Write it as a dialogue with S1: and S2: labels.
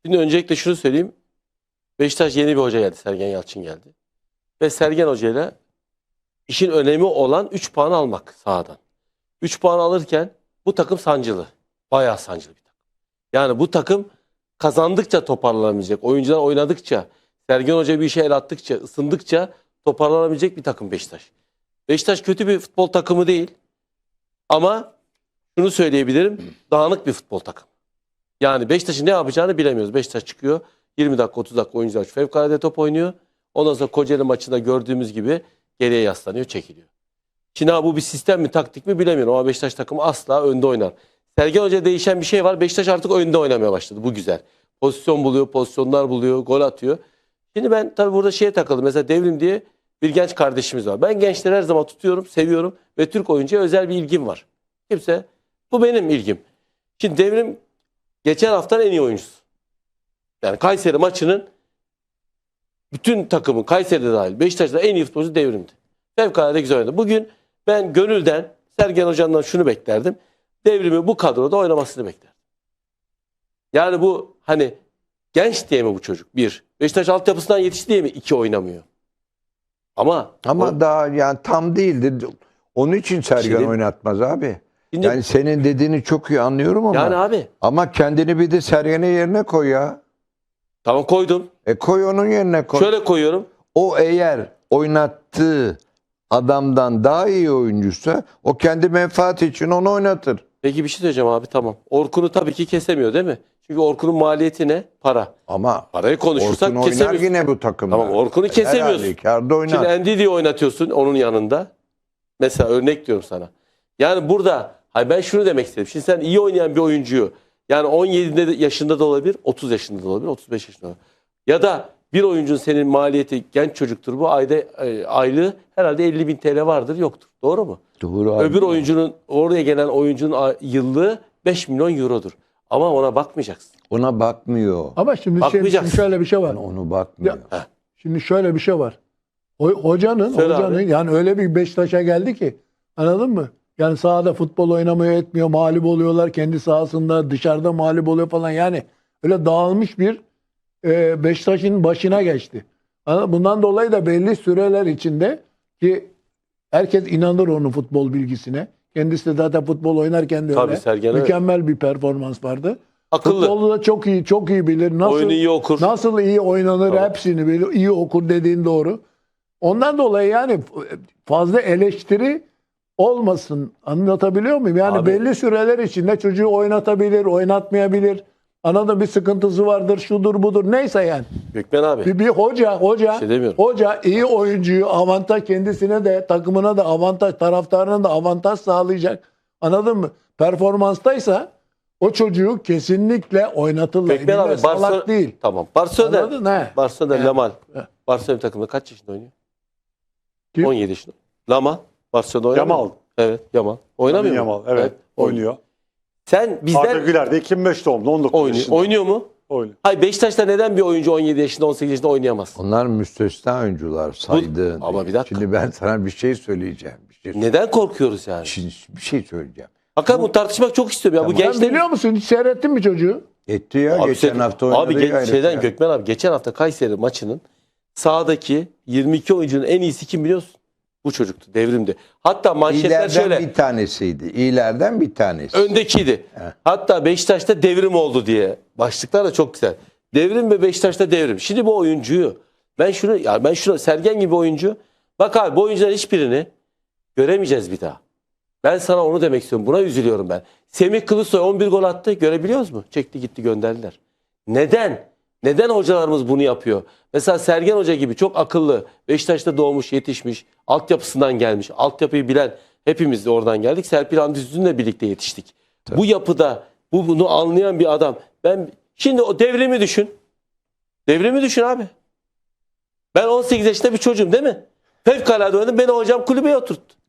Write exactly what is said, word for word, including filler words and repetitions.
S1: Şimdi öncelikle şunu söyleyeyim. Beşiktaş yeni bir hoca geldi. Sergen Yalçın geldi. Ve Sergen Hoca ile işin önemi olan üç puan almak sahadan. üç puan alırken bu takım sancılı. Bayağı sancılı bir takım. Yani bu takım kazandıkça toparlanabilecek. Oyuncular oynadıkça, Sergen Hoca bir işe el attıkça, ısındıkça toparlanabilecek bir takım Beşiktaş. Beşiktaş kötü bir futbol takımı değil. Ama şunu söyleyebilirim. Dağınık bir futbol takımı. Yani Beşiktaş'ın ne yapacağını bilemiyoruz. Beşiktaş çıkıyor. yirmi dakika otuz dakika oyuncular fevkalade top oynuyor. Ondan sonra Kocaeli maçında gördüğümüz gibi geriye yaslanıyor, çekiliyor. Şimdi ha, bu bir sistem mi, taktik mi bilemiyorum ama Beşiktaş takımı asla önde oynar. Sergen Hoca değişen bir şey var. Beşiktaş artık önde oynamaya başladı. Bu güzel. Pozisyon buluyor, pozisyonlar buluyor, gol atıyor. Şimdi ben tabii burada şeye takıldım. Mesela Devrim diye bir genç kardeşimiz var. Ben gençleri her zaman tutuyorum, seviyorum ve Türk oyuncuya özel bir ilgim var. Kimse, bu benim ilgim. Şimdi Devrim geçen haftanın en iyi oyuncusu. Yani Kayseri maçının bütün takımın, Kayseri'de dahil Beşiktaş'ta en iyi futbolcu Devrim'di. Fevkalade güzel oynadı. Bugün ben gönülden Sergen Hoca'ndan şunu beklerdim. Devrimi bu kadroda oynamasını beklerdim. Yani bu hani genç diye mi bu çocuk? Bir. Beşiktaş altyapısından yetişti diye mi? İki, oynamıyor. Ama
S2: Ama
S1: o,
S2: daha yani tam değildi. Onun için Sergen
S1: Şimdi-
S2: oynatmaz abi.
S1: Şimdi-
S2: Yani senin dediğini çok iyi anlıyorum ama.
S1: yani abi
S2: Ama kendini bir de Sergen'in yerine koy ya.
S1: tamam koydum.
S2: E koy onun yerine koy.
S1: Şöyle koyuyorum.
S2: O eğer oynattığı adamdan daha iyi oyuncuysa o kendi menfaati için onu oynatır.
S1: Peki bir şey söyleyeceğim abi, tamam. Orkun'u tabii ki kesemiyor değil mi? Çünkü Orkun'un maliyeti ne? Para.
S2: Ama
S1: Parayı konuşursak
S2: Orkun oynar
S1: kesemiyorsun.
S2: yine bu takımda.
S1: Tamam, Orkun'u kesemiyorsun.
S2: Her halükarda oynar.
S1: Şimdi Endidi'yi oynatıyorsun onun yanında. Mesela örnek diyorum sana. Yani burada hayır, ben şunu demek istedim. Şimdi sen iyi oynayan bir oyuncuyu yani on yedi yaşında da olabilir, otuz yaşında da olabilir, otuz beş yaşında da olabilir. Ya da bir oyuncunun senin maliyeti, genç çocuktur bu, ayda e, aylığı herhalde elli bin T L vardır, yoktur. Doğru mu?
S2: Doğru abi.
S1: Öbür oyuncunun, oraya gelen oyuncunun a- yıllığı beş milyon eurodur. Ama ona bakmayacaksın.
S2: Ona bakmıyor.
S3: Ama şimdi, şey,
S1: Bakmayacaksın.
S3: şimdi şöyle bir şey var.
S2: Onu bakmıyor.
S3: Ya, şimdi şöyle bir şey var. O, hocanın,
S1: Söyle
S3: hocanın
S1: abi.
S3: yani öyle bir Beşiktaş'a geldi ki, anladın mı? Yani sahada futbol oynamıyor, etmiyor, mağlup oluyorlar kendi sahasında, dışarıda mağlup oluyor falan. Yani öyle dağılmış bir e, Beşiktaş'ın başına geçti. Anladın mı? Bundan dolayı da belli süreler içinde ki herkes inanır onun futbol bilgisine. Kendisi de zaten futbol oynarken de
S1: Tabii
S3: öyle.
S1: Sergen öyle.
S3: Mükemmel bir performans vardı.
S1: Akıllı.
S3: Futbolu da çok iyi, çok iyi bilir. Nasıl,
S1: Oyunu iyi okur.
S3: Nasıl iyi oynanır
S1: Tamam.
S3: hepsini bilir. İyi okur dediğin doğru. Ondan dolayı yani fazla eleştiri olmasın. Anlatabiliyor muyum? Yani
S1: Abi.
S3: belli süreler içinde çocuğu oynatabilir, oynatmayabilir. Anladın, bir sıkıntısı vardır, şudur budur. Neyse yani.
S1: Gökmen abi.
S3: Bir, bir hoca, hoca,
S1: Bir şey demiyorum.
S3: hoca iyi oyuncuyu avantaj, kendisine de takımına da avantaj, taraftarına da avantaj sağlayacak. Anladın mı? Performanstaysa o çocuğu kesinlikle oynatırlar.
S1: Gökmen
S3: Millet
S1: abi.
S3: salak
S1: Barcelona
S3: değil.
S1: Tamam. Barcelona.
S3: Anladın he?
S1: Barcelona
S3: He.
S1: Lamal.
S3: He.
S1: Barcelona takımında kaç yaşında oynuyor?
S3: Kim?
S1: on yedi yaşında. Lamal. Barcelona oynamıyor.
S4: Yamal.
S1: Evet, Yamal. Oynamıyor mu?
S4: Yamal, evet, oynuyor.
S1: Sen
S4: Arda
S1: bizden
S4: Güler de iki bin beş doğumlu, on dokuz
S1: oynuyor.
S4: yaşında.
S1: Oynuyor mu?
S4: Oynuyor.
S1: Hayır, Beşiktaş'ta neden bir oyuncu on yedi yaşında, on sekiz yaşında oynayamaz?
S2: Onlar müstesna oyuncular saydığın.
S1: Ama bir dakika.
S2: Şimdi ben sana bir şey söyleyeceğim. Bir şey,
S1: Neden korkuyoruz yani?
S2: Şimdi bir şey söyleyeceğim.
S1: Hakikaten bu tartışmak çok istiyorum ya. Bu
S2: Tamam.
S3: Sen
S1: gençler
S3: biliyor musun? Hiç seyrettin mi çocuğu?
S2: Etti ya
S1: Abi
S2: geçen
S1: sen-
S2: hafta oynadı.
S1: Abi ge-
S2: gayret
S1: şeyden
S2: ya.
S1: Gökmen abi, geçen hafta Kayseri maçının sahadaki yirmi iki oyuncunun en iyisi kim biliyorsun? Bu çocuktu, Devrim'di. Hatta manşetler
S2: İyilerden
S1: şöyle.
S2: bir tanesiydi. İyilerden bir tanesi.
S1: Öndekiydi. Hatta Beşiktaş'ta devrim oldu diye. Başlıklar da çok güzel. Devrim ve Beşiktaş'ta devrim. Şimdi bu oyuncuyu ben şunu ya ben şunu Sergen gibi oyuncu, bak abi, bu oyuncuların hiçbirini göremeyeceğiz bir daha. Ben sana onu demek istiyorum. Buna üzülüyorum ben. Semih Kılıçsoy on bir gol attı. Görebiliyoruz mu? Çekti gitti, gönderdiler. Neden? Neden hocalarımız bunu yapıyor? Mesela Sergen Hoca gibi çok akıllı, Beşiktaş'ta doğmuş, yetişmiş, altyapısından gelmiş, altyapıyı bilen, hepimiz de oradan geldik. Serpil Hamdi birlikte yetiştik. Bu yapıda bu bunu anlayan bir adam. Ben şimdi o devrimi düşün. Devrimi düşün abi. Ben on sekiz yaşında bir çocuğum değil mi? Fevkalade oynadım. Beni hocam kulübeye oturttu.